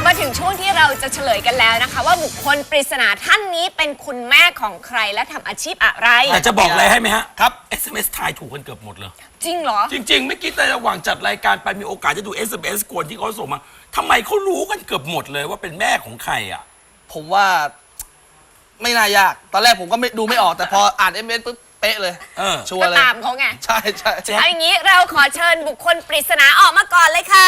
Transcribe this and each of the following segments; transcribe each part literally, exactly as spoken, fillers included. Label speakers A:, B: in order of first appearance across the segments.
A: มาถึงช่วงที่เราจะเฉลยกันแล้วนะคะว่าบุคคลปริศนาท่านนี้เป็นคุณแม่ของใครและทำอาชีพอะไร
B: แต่จะบอกอะไรให้ไหมฮะครับ เอส เอ็ม เอส ทายถูกกันเกือบหมดเลย
A: จริงเหรอ
B: จริงๆไม่คิดในระหว่างจัดรายการไปมีโอกาสจะดู เอส เอ็ม เอส คนที่เขาส่งมาทำไมเขารู้กันเกือบหมดเลยว่าเป็นแม่ของใครอ่ะ
C: ผมว่าไม่น่ายากตอนแรกผมก็ไม่ดูไม่ออกแต่พออ่าน เอส เอ็ม เอส ปุ๊บเป๊ะเลยชัวร์เลย
A: ตามเขาไง
C: ใช่ใช่
A: เอาอย่างนี้เราขอเชิญบุคคลปริศนาออกมาก่อนเลยค่ะ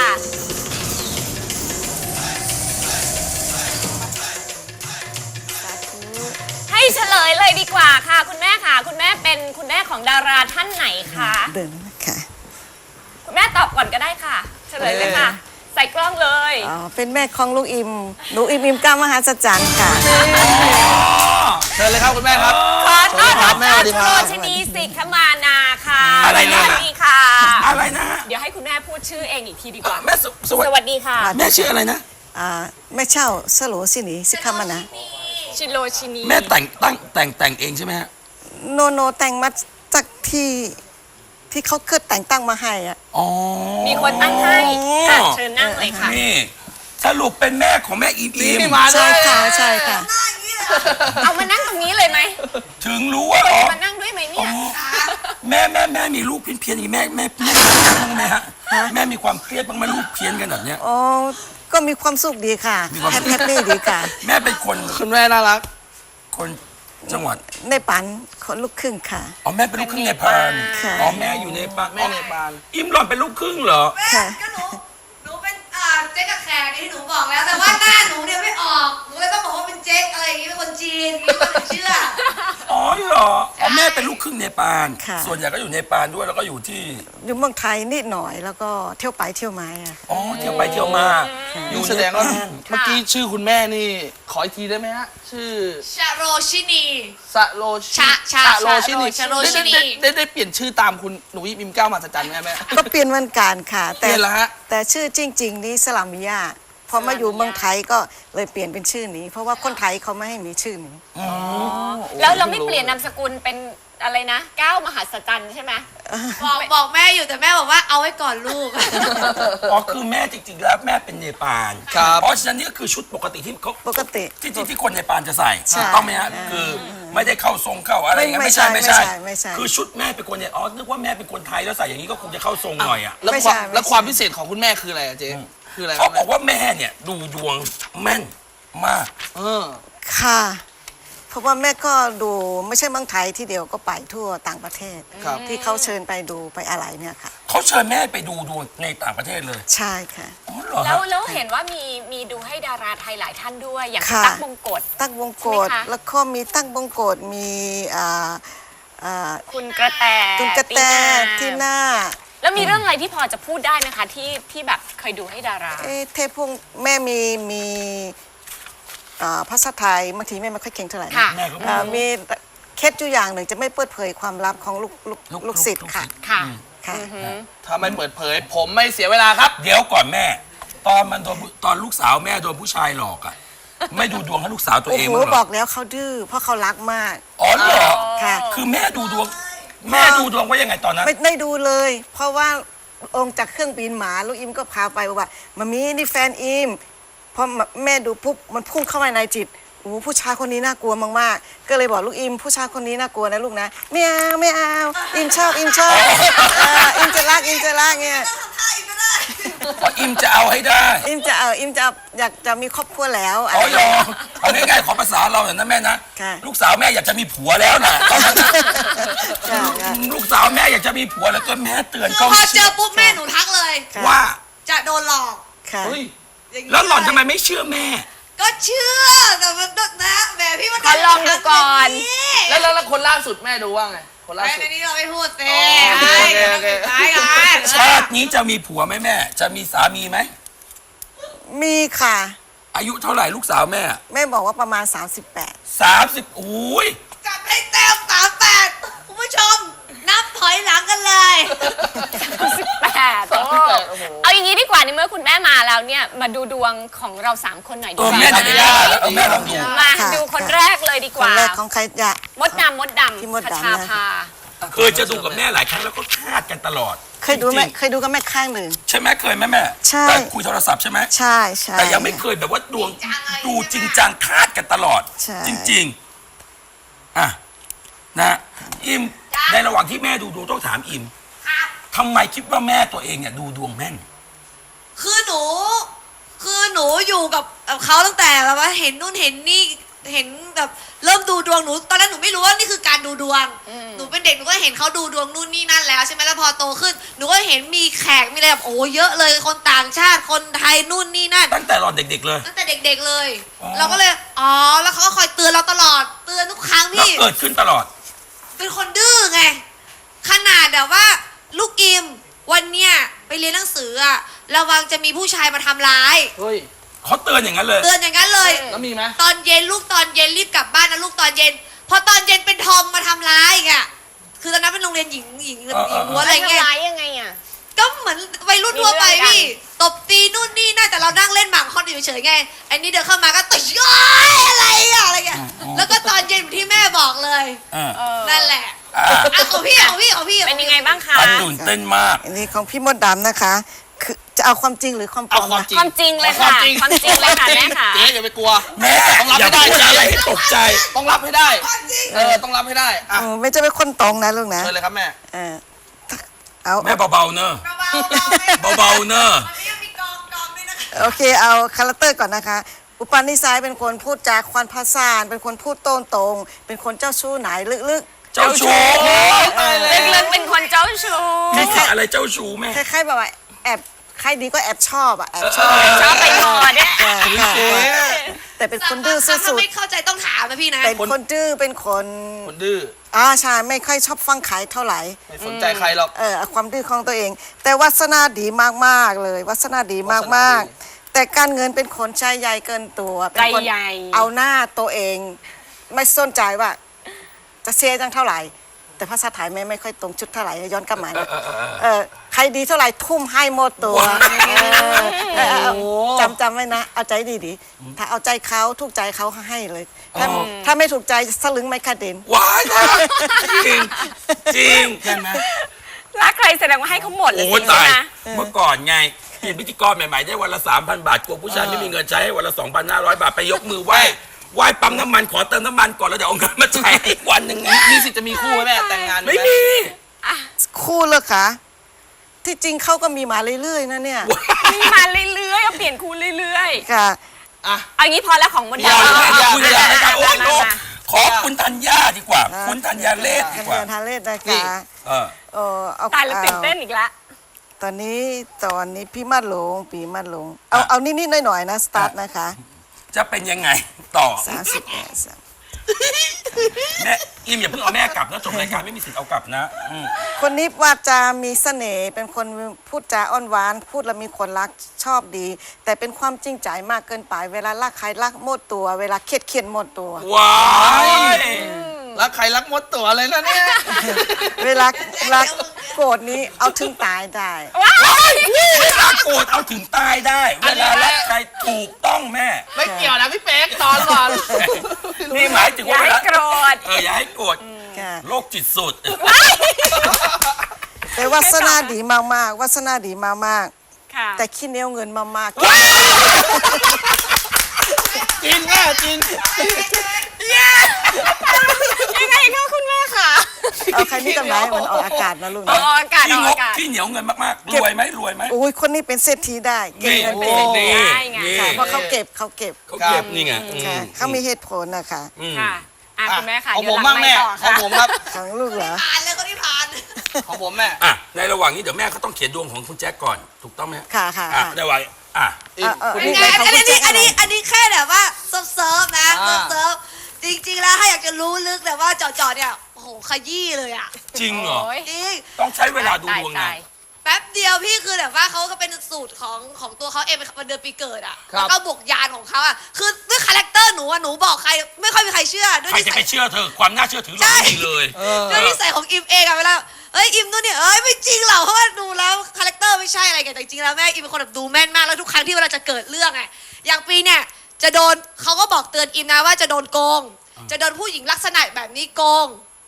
A: ให้เฉลยเลยดีกว่าค่ะคุณแม่ค่ะคุณแม่เป็นคุณแม่ของดาราท่านไหนคะ
D: เดินค่ะ
A: คุณแม่ตอบก่อนก็ได้ค่ะเฉลยเลยค่ะใส่กล้องเลย
D: อ๋อเป็นแม่ของลูกอิมลูกอิมอิมก้ามหาสัจจันค่ะ
C: เชิญเลยครับคุณแม่ครับ
A: ขอต้อนรับแม่โรชนีสิกขมานาค่ะ
B: อะไรนะ
A: สวัสดีค่ะ
B: อะไรนะ
A: เดี๋ยวให้คุณแม่พูดชื่อเองอีกทีดีกว่า
B: แม่
A: สวัสดีค่ะ
B: แม่ชื่ออะไรนะ
D: อ่าแม่เช่าสโลสินีสิกขมานา
A: ชิโรชินี
B: แม่แต่งตั้งแต่งแต่งเองใช่ไหมฮะ
D: โนโนแต่งมาจากที่ที่เขาเคยแต่งตั้งมาให้อ่ะ
B: อ๋อ
A: มีคนตั้งให้เชิญนั่งเลยค่ะ
B: นี่สรุปเป็นแม่ของแม่อิมอิม
D: ใช่ค่ะใช่ค่ะ
A: เอามานั่งตรงนี้เลยไหม
B: ถึงรู้ว่า
A: มานั่งด้วยไหมเนี่ย
B: แม่แม่แม่มีลูกเพี้ยนเพี้ยนอย่างแม่แม่แม่บ้างไหมฮะแม่มีความเครียดบ้างไหมลูกเพี้ยนกันแบบเนี้ย
D: อ๋อก็มีความสุขดีค่ะแฮปปี้ดีค่ะ
B: แม่เป็นคน
C: คุณแม่น่ารัก
B: คนจังหวัด
D: ในปันคนลูกครึ่งค่ะ
B: อ๋อแม่เป็นลูกครึ่งเนปาลอ๋อแม่อยู่เนปาล
C: แม่เนปาล
B: อิมหล่อนเป็นลูกครึ่งเหรอ
E: แม่ก็หนูหนูเป็นอ่าเจ๊กับแขกที่หนูบอกแล้วแต่ว่าหน้าหนูเนี่ยไม่ออกหนูเลยต้องบอกว่าเป็นเจ๊อะไรอย่างงี้เป็นคนจีนมีคนเชื่อ
B: อ๋อเหรออ๋อแม่เป็นลูกครึ่งเนปาลส่วนใหญ่ก็อยู่เนปาลด้วยแล้วก็อยู่ที่
D: อยู่เมืองไทยนิดหน่อยแล้วก็เที่ยวไปเที่ยวมา
B: อ๋อเที่ยวไปเที่ยวมา
C: อยู่แสดงว่าเมื่อกี้ชื่อคุณแม่นี่ขออีกทีได้ไหมฮะชื่อ
E: ชาโรชินี
C: ชาโร
E: ชาชา
C: โรชินี
E: ชาโรชินี
C: ได้ได้เปลี่ยนชื่อตามคุณหนูอิมก้าวมาสัจจันไหมแม่
D: ก็เปลี่ยนวันการค่ะ
C: แต่
D: แต่ชื่อจริงๆนี้สลามิยาพอมาอยู่เมืองไทยก็เลยเปลี่ยนเป็นชื่อนี้เพราะว่าคนไทยเขาไม่ให้มีชื่อนี้
A: แล้วเราไม่เปลี่ยนนามสกุลเป็นอะไรนะก้าวมหัศจรรย์ใช่ไหม
E: บอกบอกแม่อยู่แต่แม่บอกว่าเอาไว้ก่อนลูก
B: อ๋อคือแม่จริงๆแล้วแม่เป็นเนปาลเพราะฉะนั้นนี่ก็คือชุดปกติที่เขา
D: ปกติ
B: ที่ที่คนเนปาลจะใส่ต้องไหมฮะคือไม่ได้เข้าทรงเข้าอะไรอย่างเงี้ยไม่ใช่ไม่ใช่คือชุดแม่เป็นคนเนี่ยอ๋อนึกว่าแม่เป็นคนไทยแล้วใส่อย่างนี้ก็คงจะเข้าทรงหน่อยอ่ะ
C: แล้วความแล้วความพิเศษของคุณแม่คืออะไรเจ๊คืออะไร
B: เขาบอกว่าแม่เนี่ยดูดวงแม่นมาก
C: เออ
D: ค่ะเพราะว่าแม่ก็ดูไม่ใช่เมืองไทยที่เดียวก็ไปทั่วต่างประเทศที่เขาเชิญไปดูไปอะไรเนี่ยค่ะ
B: เขาเชิญแม่ไปดูดวงในต่างประเทศเลย
D: ใช่ค่ะ
A: แล้วแล้วเห็นว่ามีมีดูให้ดาราไทยหลายท่านด้วยอย่างตั๊กบงกฎ
D: ตั๊กบงกฎแล้วก็มีตั๊กบงกฎมี
A: คุณกระแต
D: คุณกระแตที่หน้า
A: แล้วมีเรื่องอะไรที่พอจะพูดได้ไหมคะที่ที่แบบเคยดูให้ดารา
D: เทพพงแม่มีมีภาษาไทยบางทีแม่ไม่ค่อยเก่งเท่าไหร่มีเคล็ดอยู่อย่างหนึ่งจะไม่เปิดเผยความลับของลูกลูกลูกศิษย์ค่ะ
A: ค่ะ
C: ถ้าไม่เปิดเผยผมไม่เสียเวลาครับ
B: เดี๋ยวก่อนแม่ตอนมันโดนตอนลูกสาวแม่โดนผู้ชายหลอกอ่ะไม่ดูดวงให้ลูกสาวตัวเองมั้งหรอ
D: บอกแล้วเขาดื้อเพราะเขารักมาก
B: อ๋อเหรอ
D: ค่ะ
B: คือแม่ดูดวงแม่ดูดวงว่ายังไงตอนนั้น
D: ไม่ได้ดูเลยเพราะว่าองค์จากเครื่องบินหมาลูกอิมก็พาไปบอกว่ามามีนี่แฟนอิมพอแม่ดูปุ๊บมันพุ่งเข้ามาในจิตโอ้ผู้ชายคนนี้น่ากลัวมากๆก็เลยบอกลูกอิมผู้ชายคนนี้น่ากลัวนะลูกนะไม่เอาไม่เอาอิมชอบอิมชอบอิมจะรักอิมจะรักเนี่ย
B: เพราะอิมจะเอาให้ได้
D: อิมจะเอาอิมจะอยากจะมีครอบครัวแล้ว
B: อ๋อยอเอาง่ายๆขอภาษาเราอย่างนั้นแม่นะลูกสาวแม่อยากจะมีผัวแล้วนะตอนนั้นลูกสาวแม่อยากจะมีผัวแล้วก็แม่เตือน
E: เขาพอเจอปุ๊บแม่หนูทักเลย
B: ว่า
E: จะโดนหลอก
B: แล้วหล่อนทำไมไม่เชื่อแม่
E: ก็เชื่อแต่มันนะแม่พี่มัน
A: ลองดูก่อน
C: แล้วแล้วคนล่าสุดแม่ดูว่าไงคนล่าสุด
E: ในนี้เราไม่พูดเต้
B: ชาตินี้จะมีผัวไหมแม่จะมีสามีไหม
D: มีค่ะ
B: อายุเท่าไหร่ลูกสาวแม่
D: แม่บอกว่าประมาณสามสิบแปด
B: สามสิบอุ้ย
E: จัดให้เต็มสามแปดคุณผู้ชมนับถอยหลังกันเลย
A: สิบแปดเอาอย่างนี้ดีกว่าในเมื่อคุณแม่มาแล้วเนี่ยมาดูดวงของเราสามคนหน่อยดีกว่า
B: แม่จะได้แล้วแม่ลองดู
A: มาดูคนแรกเลยดีกว่า
D: คนแรกของใครจะ
A: มดดำมดดำคชาภา
B: เคยจะดูกับแม่หลายครั้งแล้วก็คาดกันตลอด
D: เคยดูไหม
B: จริงๆ
D: เคยดูกับแม่ข้างหนึ่ง
B: ใช่ไหมเคยไหมแม่
D: ใช่
B: แต่คุยโทรศัพท์ใช่ไหม
D: ใช่ใช่
B: แต่ยังไม่เคยแบบว่าดวงดูจริงจังคาดกันตลอด
D: ใช่
B: จริงๆอ่ะนะอิมในระหว่างที่แม่ดูดวงต้องถามอิม
E: ครับ
B: ทำไมคิดว่าแม่ตัวเองเนี่ยดูดวงแม่น
E: คือหนู คือหนูอยู่กับกับเขาตั้งแต่แบบว่าเห็นนู่นเห็นนี่เห็นแบบเริ่มดูดวงหนูตอนนั้นหนูไม่รู้ว่านี่คือการดูดวงหนูเป็นเด็กหนูก็เห็นเขาดูดวงนู่นนี่นั่นแล้วใช่ไหมแล้วพอโตขึ้นหนูก็เห็นมีแขกมีอะไรแบบโอ้เยอะเลยคนต่างชาติคนไทยนู่นนี่นั่น
B: ตั้งแต่ตอนเด็กๆเลย
E: ตั้งแต่เด็กๆเลย
B: อ๋อ
E: เราก็เลยอ๋อแล้วเขาก็คอยเตือนเราตลอดเตือนทุกครั้ง
B: แล้ว
E: พี่
B: เกิดขึ้นตลอด
E: เป็นคนดื้อไงขนาดแบบว่าลูกอิมวันเนี้ยไปเรียนหนังสืออะระวังจะมีผู้ชายมาทำร้าย
C: เฮ้ย
B: เขาเตือนอย่างนั้นเลย
E: เตือนอย่างนั้นเลย
C: แล้วมีไหม
E: ตอนเย็นลูกตอนเย็นรีบกลับบ้านนะลูกตอนเย็น พอตอนเย็นเป็นทอมมาทำร้ายอีกอะคือตอนนั้นเป็นโรงเรียนหญิงหญิงหญิงล้วนอะไรเงี้ย
A: ทำร้ายยังไงอ่ะ
E: ก็เหมือนวัยรุ่นทั่วไป
A: มีเรื่องกัน
E: พี่ตบตีนู่นนี่นั่นแต่เรานั่งเล่นหมากคอนอยู่เฉยๆไงไอ้นี่เดินเข้ามาก็ต่อยย้อยอะไรอะอะไรเงี้ยแล้วก็ตอนเย็นที่แม่บอกเลย
B: อ่า
E: นั่นแหละ
B: อ่า
E: อ่ะของพี่ของพี่ของพี่
A: เป็นยังไงบ้างคะ
B: อันตื่นเต้นมาก
D: อันนี้ของพี่มดดำนะคะ คือจะเอาความจริงหรือความปล
C: เอา
D: อม
C: ความ
D: นะ
C: จริง
A: ความจริงเลยค่ะ ความจริงเลยค่ะแม่ค่ะ
C: เจ๊อย่าไปกลัว
B: แม่
C: ต้องรับ
B: อย่า
C: ให้ได้
B: พูดอะไรให้ตกใจ
C: ต้องรับให้ได้ เออ ต้องรับให้ได้ อ่ะ
D: เออไม่จะเป็นคนตรงนะลูกนะ
C: เชิญเลยครับแม่
D: เออเอา
B: แม่เบาๆเนอะ
E: เบาๆ
B: เบาๆเนอะ
E: วันนี้ยังมีกองกองด้วยนะคะ
D: โอเคเอาคาแรคเตอร์ก่อนนะคะ อุปนิสัยเป็นคนพูดจาควันภาษานเป็นคนพูดโต้นตรง เป็นคนเจ้าชู้ไหนลึก
B: เจ้าชู้
C: ตายแล้ว
A: ลึกๆเป็นคนเจ้าชู้
B: มีสิทธิ์อะไรเจ้าชู้แม่
D: ๆคล้ายๆแบบว่าแอบใครดีก็แอบชอบอะแอบชอบ
A: ชอบไปนอนเนี่ย
D: เออค่ะ
C: เจ๊
D: แต่เป็นคนดื้อสุ
E: ถ้า
D: ด
E: ไม่เข้าใจต้องถามนะพี่นะ
D: ๆเป็นคนดื้อเป็นคน
C: คนดื้อ
D: อ่าใช่ไม่ค่อยชอบฟังขายเท่าไหร่
C: ไม่สนใจใครหรอก
D: เออเอาความดื้อของตัวเอง แต่วาสนาดีมากๆเลยวาสนาดีมาก
C: วาสนาดี
D: ๆแต่การเงินเป็นคนใจใหญ่เกินตัวเป็นคน
A: ใจใหญ่
D: เอาหน้าตัวเอง ไม่สนใจว่า จะเสียจังเท่าไหร่ แต่ภาษาไทยไม่ไม่ค่อยตรงชุดเท่าไหร่ย้อนกลับมานะเออใครดีเท่าไหร่ทุ่มให้หมดตัวเออเออเอาจำจำไว้นะ เอาใจดีๆถ้าเอาใจเขาถูกใจเขาให้เลย ถ้าถ้าไม่ถูกใจสลึงไม่คาเด็น
B: ว้ายนะจริง จริง
C: ใช่ไหม
A: รักใครแสดงว่าให้เขาหมดเลย
B: โอ้
A: สิ
B: ตาย
A: ใช่ไหม
B: เมื่อก่อนไงเป็นพิธีกรใหม่ๆได้วันละสามพันบาทกลัวผู้ชายไม่มีเงินใช้ให้วันละสองพันห้าร้อยบาทไปยกมือไหว้ไหว้ปั๊มน้ำมันขอเติมน้ำมันก่อนแล้วเดี๋ยวเอาเงินมาจ่ายให้อีกวันหนึ่งไง
C: มีสิทธิ์จะมีคู่ไหมแม่ แต่งงาน
B: ไม่
C: ห
B: มี
D: คู่เลยค่ะ ที่จริงเขาก็มีมาเรื่อยๆนะเนี่ย
A: มีมาเรื่อยๆเอาเปลี่ยนคู่เรื่อย
D: ค่ะ
C: อ่ะ
A: ๆเอางี้พอแล้วของมด
B: อย่า
A: ดำ
B: เลย
A: เอา
B: คุยอะไรกันโอ้
A: มา
B: โห
A: มา
B: ขอคุณธัญญาดีกว่า คุณธัญญาเลศดีกว่า
D: ธัญญาเลศนะคะ
C: นี่
B: เออ
D: เออเอา
A: ตายแล้วตื่นเต้น
D: อา
A: อีกแล้ว
D: ตอนนี้ตอนนี้พี่มาดหลงปีมาดหลงเอาเอานิดๆหน่อยๆนะสตาร์ทนะคะ
B: จะเป็นยังไงต่อ
D: สามสิบแปดสาม
B: แม่อิมอย่าเพิ่งเอาแม่กลับนะจบรายการไม่มีสิทธิ์เอากลับนะอืม
D: คนนี้ว่าจะมีเสน่ห์เป็นคนพูดจาอ้อนหวาน พูดแล้วมีคนรักชอบดี แต่เป็นความจริงใจมากเกินไป เวลารักใครรักหมดตัว เวลาเครียดเครียดหมดตัว
B: ว้าย
C: รักใครรักมดตัวเลยนะเนี่ย
D: เวลารักโกรธนี้เอาถึงตายได้
B: เวลาโกรธเอาถึงตายได้ เวลารักใครถูกต้องแม่
C: ไม่เกี่ยวนะพี่เป๊กตอนก่อน
B: นี่หมายถึง
A: อย่า
B: ว่า
A: ให้โกรธ
B: เอออย่าให้โกรธ
D: ค่ะ
B: โรคจิตสุด
D: แต่วาสนาดีมากๆวาสนาดีมาก
A: ค่ะ
D: ๆแต่ขี้เหนียวเงินมากๆ
C: จริงแม่จริง
A: ยังไงก็คุณแม่ค่ะ
D: เอาใครนี่กำไรมันออกอากาศนะลูก
A: อ
D: นะ
A: อกอากาศ
B: ที่
A: ออก
B: งก
A: อากาศ
B: ที่เหนียวเงินมากๆ รวยไหมรวยไหม
D: อุ้ยคนนี้เป็นเศรษฐีได้เก็บ
B: นี่
D: เงิน
B: โอ้
D: เป็น
B: นี่
A: ได้ไง
B: นี่
D: ค่ะเพราะเขาเก็บเขาเก็บ
B: เขาเก็บนี่ไงอืม
D: ค่ะเขามีเหตุผลนะคะ
B: อืม
A: ค่ะอ่ะคุณแม่ค่ะ
C: ของ
A: เดี๋
C: ผ
A: ยว
C: ม
A: หลั
C: บ้าง
A: ง
C: แม่
A: ไม่ต่อ
C: ของ
A: ค่ะ
C: ผมครับ
D: ของลูกเหรอ
E: ผ่านเลยคนที่ผ่าน
C: ของผมแม่
B: อ่ะในระหว่างนี้เดี๋ยวแม่เขาต้องเขียนดวงของคุณแจ็คก่อน ถูกต้องไหม
D: ค่ะค่ะ
B: อ่ะ
D: ค่ะ
B: ในระหว่างอ่ะ
D: เออเออ
E: อัน
D: นี่
E: นี้
D: ไงของ
E: อัน
D: คุณ
E: นี้
D: แจ็ค
E: อันนี้อันนี้แค่แบบว่าเซิร์ฟเซิร์ฟนะ
C: อ่า
E: เซิร์ฟเซิร์ฟจริงๆแล้วถ้าอยากจะรู้ลึกแต่ว่าเจาะๆเนี่ยโอ้โหขยี้เลยอ่ะ
B: จริงเหรอ
A: โอ้ย
E: จริง
B: ต้องใช้เวลาดูดวง
A: ตา
B: ไง
A: ย
E: แป๊บเดียวพี่คือแบบว่าเขาก็เป็นสูตรของของตัวเขาเองเป็นเดือนปีเกิดอ่ะ
C: ครับ
E: แล้วก็บวกยานของเขาอ่ะคือด้วยคาแรคเตอร์หนูอ่ะหนูบอกใครไม่ค่อยมีใครเชื่อด้วย
B: ใคร
E: นิ
B: จะ
E: สั
B: ไป
E: ย
B: เชื่อเธอ ความน่าเชื่อถือเราไม่มีเลย
C: เออ
E: ด้วยนิสัยของอิมเองอะเวลาเอ้ยอิมนู่นเนี่ยเอ้ยไม่จริงหรอกเพราะว่าดูแล้วคาแรคเตอร์ไม่ใช่อะไรกันแต่จริงๆแล้วแม่อิมเป็นคนแบบดูแม่นมากแล้วทุกครั้งที่เวลาจะเกิดเรื่องไงอย่างปีเนี่ยจะโดนเขาก็บอกเตือนอิมนะว่าจะโดนโกง จะโดนผู้หญิงลักษณะแบบนี้โกง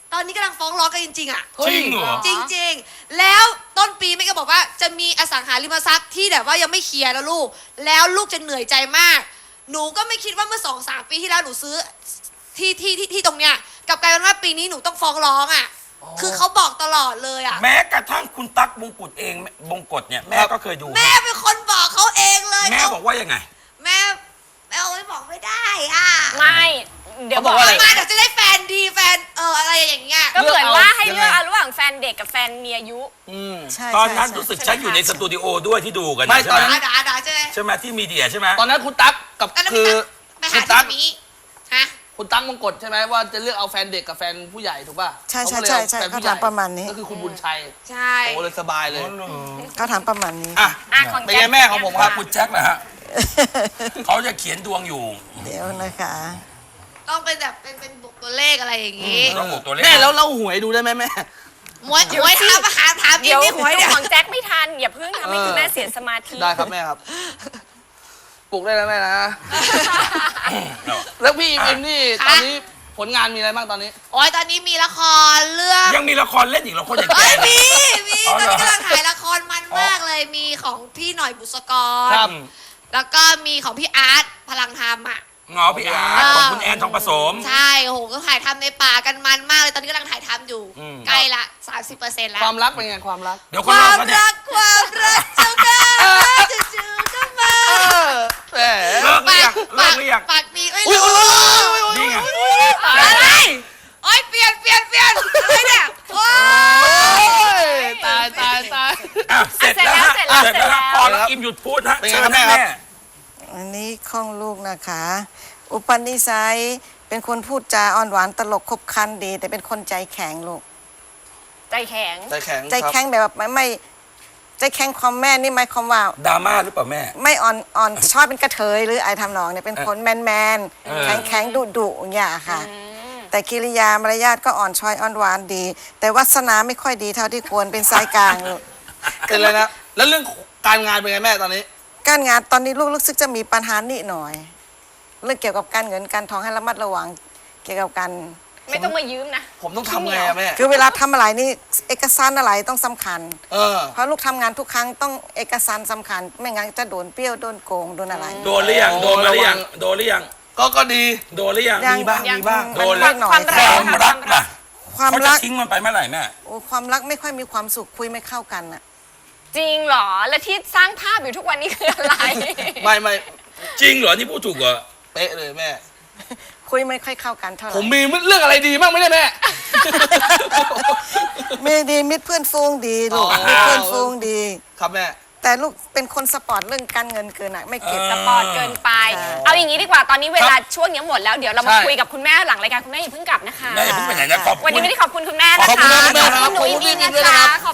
E: ตอนนี้กำลังฟ้องร้องกันจริงๆอ่ะ
B: จริงเหรอ
E: จริงๆ แล้วต้นปีแม่ก็บอกว่าจะมีอสังหาริมทรัพย์ที่แบบว่ายังไม่เคลียร์แล้วลูก แล้วลูกจะเหนื่อยใจมาก หนูก็ไม่คิดว่าเมื่อสองสามปีที่แล้วหนูซื้อที่ที่ที่ที่ตรงเนี้ยกลับกลายเป็นว่าปีนี้หนูต้องฟ้องร้องอ่ะ คือเขาบอกตลอดเลยอ่ะ
B: แม้กระทั่งคุณตั๊กบงกฎเองบงกฎเนี่ยแม่ก็เคยดู
E: แม่เป็นคนบอกเขาเองเลย
B: แม่บอกว่ายังไง
E: แม่แม่เอาไว้บอกไม่ได้อ่ะ
A: ไม่เดี๋ยว
C: เขาบอกว่าอะไร
E: มาเดี๋ยวจะได้แฟนดีแฟนเอออะไรอย่างเงี้ย
A: ก็เหมือนว่าให้
C: ยังไง
A: เลือกเอาระหว่างแฟนเด็กกับแฟนมีอายุ
C: อืม
D: ใช่
B: ตอนนั้น
D: ใช่
B: รู้สึก
D: ใช่
B: ฉันอยู่ในสตูดิโอด้วยที่ดูกัน
C: ไม่
B: ใช่
C: ตอน
B: ไหม
C: นั้น
E: ด่าด่าใช่ไหม
B: ใช่ไหมที่มีเดียใช่ไหม
C: ตอนนั้นคุณตั๊กกับ
E: ตอนนั้น
C: คือ
E: ไป
C: คุ
E: หา
C: ณตั๊ก
E: ที่มีฮะ
C: คุณตั๊กมงกฎใช่ไหมว่าจะเลือกเอาแฟนเด็กกับแฟนผู้ใหญ่ถูกป่ะ
D: ใช่ใช่
C: เขาก็ลย
D: ใช่
C: อ
D: ใช่
C: แฟน
D: เขา
C: ผู้ใหญ่
D: ถามประมาณนี้
C: ก็คือคุณบุญชัย
E: ใช่
C: โอ้เลยสบายเลย
D: เขาถามประมาณนี้
C: อ่ะ
A: อ่ะของ
C: เป็น
A: แจ็
C: ไง
A: ค
C: แม่ของผมครับ
B: คุณแจ็คนะฮะเขาจะเขียนดวงอยู่
D: เดี๋ยวนะคะ
E: ต้องเป็นแบบเป็นเป็นบุกตัวเลขอะไรอย่างงี้
B: ต้องบอกตัวเลข
C: แม่แล้วเราหวยดูได้ไหมแม่
E: หวยหวยถามหาถามจริ
A: เดี๋
E: ง
A: ยว
E: นี่หวย
A: ดู
E: เนี่ย
A: ของแจ็คไม่ทันอย่าเพิ่งทำให้
C: เออ
A: คุณแม่เสียสมาธิ
C: ได้ครับแม่ครับ ปลุกได้แล้วแม่นะ แล้วพี่อิมอิมนี่ตอนนี้ผลงานมีอะไรบ้างตอนนี้
E: โอ้ยตอนนี้มีละครเรื่อง
B: ยังมีละครเล่นอีกเหรอคนอย่างแก
E: เอ้ย
B: เนี่ย
E: มีมี
B: อ๋อ
E: ตอน
B: เหรอ
E: นี้กำลังถ่ายละครมันมากเลยมีของพี่หน่อยบุษกร
C: ครับ
E: แล้วก็มีของพี่อาร์ตพลังธรรมอ่ะ
B: งอพี่อาร์ตของคุณแอนทองผสม
E: ใช่โอ้โหก็ถ่ายทำในป่ากันมันมากเลยตอนนี้กำลังถ่ายทำอยู่
B: อืม
E: ใกล้ละสามสิบเปอร์เซ็นต์แล้ว
C: ความรักเป็นไงความรัก
B: เดี๋ยว
E: ค
B: คน
E: วา
B: เรา
E: ม
B: ก็เนี่ย
E: รักความรักเจ้าค่ะจู่ๆก็มา
C: แหม
B: เลิกหรือยังเลิ
E: ปาก
B: กหรือยัง
E: ปากดีไม่
C: อุ้ย
E: รู้
C: อุ้ยอุ้ยอุ้ย
B: นี่ไง
E: อะไรโอ้ยเปลี่ยนเปลี่ยนเปลี่ยนอะไรเนี่ยโอ้ย
C: ตายตายตาย
B: อ่ะเสร็จแล้วฮะ
A: เสร็จแล้ว
B: เสร็จแล้วฮะ
A: เสร็จแล้ว
B: พอแล้วอิมหยุดพูดฮะ
C: เป็นไง
B: เชิญ
C: ครับแม่
B: แม่
C: ครับ
D: อันนี้ของลูกนะคะ อุปนิสัยเป็นคนพูดจาอ่อนหวานตลกคบคันดี แต่เป็นคนใจแข็งลูก
A: ใจแข็ง
C: ใจแข็ง
D: ใจแข็งแบบไม่ไม่ใจแข็งความแม่นี่หมายความว่า
B: ดราม่าหรือเปล่าแม่
D: ไม่อ่อนอ่อนชอบเป็นกระเทยหรือไอทำนองเนี่ยเป็นคนแมนแมน
B: เออ
D: แข็งแข็งดุดุอย่างเงี้ยค่ะ แต่กิริยามารยาทก็อ่อนช้อยอ่อนหวานดี แต่วาสนาไม่ค่อยดีเท่าที่ควรเป็นสายกลางลูก
C: เป็นเลยนะ แล้วเรื่องการงานเป็นไงแม่ตอนนี้
D: การงานตอนนี้ลูกรู้สึกจะมีปัญหานิดหน่อย เรื่องเกี่ยวกับการเงินการทองให้ระมัดระวังเกี่ยวกับการ
A: ไม่ต้องมายืมนะ
C: ผมต้องทำไงอะแม่
D: คือเวลาทำอะไรนี่เอกสารอะไรต้องสำคัญ
C: เออ
D: เพราะลูกทำงานทุกครั้งต้องเอกสารสำคัญ ไม่งั้นจะโดนเปรี้ยวโดนโกงโดนอะไร
B: โดนหรือยัง
C: โอ้
B: โดนมาหรือยัง
C: ระวัง
B: โดนหรือยัง
C: ก็ก็ดี
B: โดนหรือยัง
D: ยัง
C: มีบ้าง
A: ยัง
C: มีบ้าง
B: โดน
D: มั
B: แล้ว
D: หน่อย
A: ความ
B: ค
A: รัก
B: วามรักล่ะ
D: ความ
B: เขาจะ
D: รัก
B: ทิ้งมันไปเมื่อไหร่แม่
D: โอ้ความรักไม่ค่อยมีความสุขคุยไม่เข้ากันอะ
A: จริงเหรอ แล้วที่สร้างภาพอยู่ทุกวันนี้คืออะไร
C: ไม่ไม่
B: จริงเหรอนี่พูดถูกเหรอ
C: เป๊ะเลยแม่
D: คุยไม่ค่อยเข้ากันเท่าไห
C: ผ
D: ร่
C: มมีเรื่องอะไรดีบ้างไหมเนี่ยแม่
D: มีดีมิตรเพื่อนฟูงดีลูก
C: อ๋อ
D: มิตรเพื่อนฟูงดี
C: ครับแม่
D: แต่ลูกเป็นคนสปอร์ตเรื่องการเงินเกินอะไม่เก็บ
A: สปอร์ตเกินไป
D: ใช่
A: เอาอย่างนี้ดีกว่า ตอนนี้เวลาช่วงนี้หมดแล้ว เดี๋ยวเรามา
C: ใช่
A: คุยกับคุณแม่หลังรายการคุณแม่อย่าเพิ่งกลับนะคะ
B: แม่อย่าเพิ่งไปไหนนะขอบคุณ
A: วันนี้ไม่ได้ขอบคุณคุณแม่นะคะ
C: ขอบคุณมากคุณแม่ครับ
A: ขอบคุณหนูอิมอิม
C: ขอบคุณ
A: นะ
C: ด้วยนะครั
A: คะ
C: บ
A: ข